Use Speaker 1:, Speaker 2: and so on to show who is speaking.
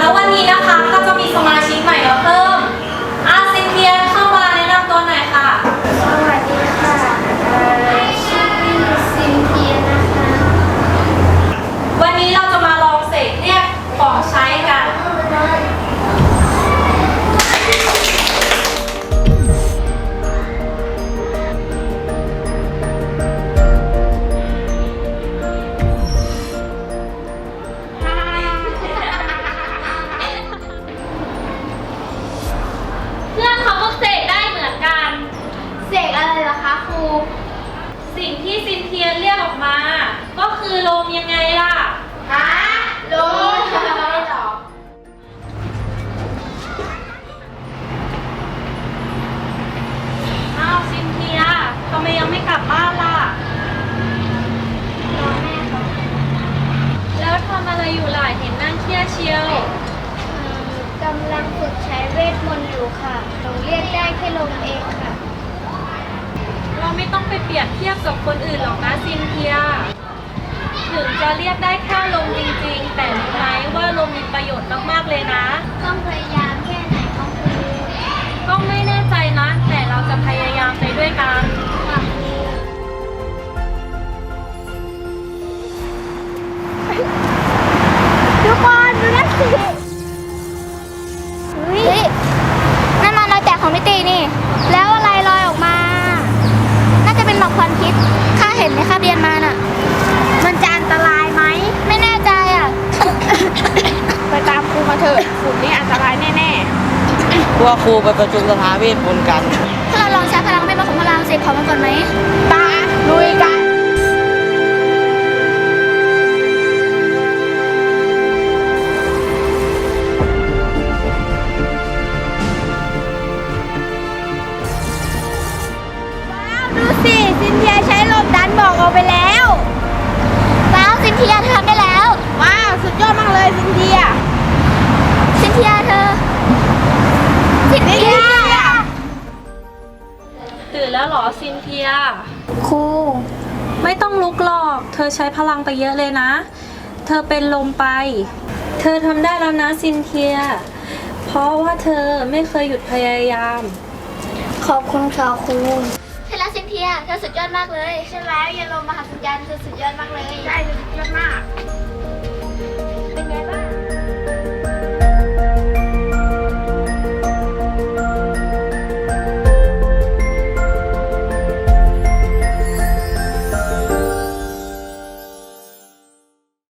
Speaker 1: แล้ววันนี้นะคะก็จะมีสมาชิกใหม่มาเพิ่มซินเทียเข้ามาแนะนำตัวหน่อยค่ะ
Speaker 2: สวัสดีค่ะชื่อซินเทียนะคะ
Speaker 1: วันนี้เราจะมาลองเสกเรียกของใช้กันเพื่อนเขาก็เสกได้เหมือนกัน
Speaker 2: เสกอะไรเหรอคะครู
Speaker 1: สิ่งที่ซินเทียเรียกออกมา ก็คือลมยังไงล่ะ
Speaker 2: ฮะลมอะไรหรอ
Speaker 1: อ้าวซินเทียทำไมยังไม่กลับบ้านล่ะ
Speaker 2: รอแม่เขา
Speaker 1: แล้วทำอะไรอยู่ล่ะเห็นนั่งเครียดเชียว
Speaker 2: กำลังฝึกใช้เวทมนต์อยู่ค่ะหนูเรียกได้แค่ลมเองค่ะ
Speaker 1: เราไม่ต้องไปเปรียบเทียบกับคนอื่นหรอกนะซินเทีย ถึงจะเรียกได้แค่ลมจริงๆ แต่รู้ไหมว่าลมมีประโยชน์มากๆเลยนะ
Speaker 2: ต้องพยายามแค่ไหนคะครู
Speaker 1: ก็ไม่แน่ใจนะ แต่เราจะพยายามไปด้วยกัน
Speaker 2: ค่ะครูทุกคนดูนั่นสิเฮ้ยนั่นมันรอยแตกของมิตินี่ แล้วอะไรลอยออกมา น่าจะเป็นหมอกควันพิษข้าเห็นในคาบเรียนมาน่ะ มันจะอันตรายไหม ไม่แน่ใจอ่ะ
Speaker 3: ไปตามครูมาเถอะฝุ่นนี่อันตรายแน่
Speaker 4: พวกครูไปประชุมสภาเวทมนต์กัน
Speaker 2: ถ้าเราลองใช้พลังเวทมนต์ของพลังเสกของมันก่อนไหม
Speaker 3: ๆ ตาลุยกัน
Speaker 2: ดูสิซินเทียใช้ลมดันบอกออกไปแล้วว้าวซินเทียเธอทำได้แล้ว
Speaker 3: ว้าว สุดยอดมากเลยซินเทีย
Speaker 2: ซินเทียเธอซินเทีย
Speaker 1: ตื่นแล้วเหรอซินเทีย
Speaker 2: ครู
Speaker 1: ไม่ต้องลุกหรอก เธอใช้พลังไปเยอะเลยนะ เธอเป็นลมไป เธอทำได้แล้วนะซินเทีย เพราะว่าเธอไม่เคยหยุดพยายาม
Speaker 2: ขอบคุณค่ะครูใช่แล้วซินเทียเธอสุดยอดมากเลยใช่แล้วอย่าลมมหัศจรรย์เธอสุดยอดมากเลย
Speaker 3: ใช่สุดยอดมาก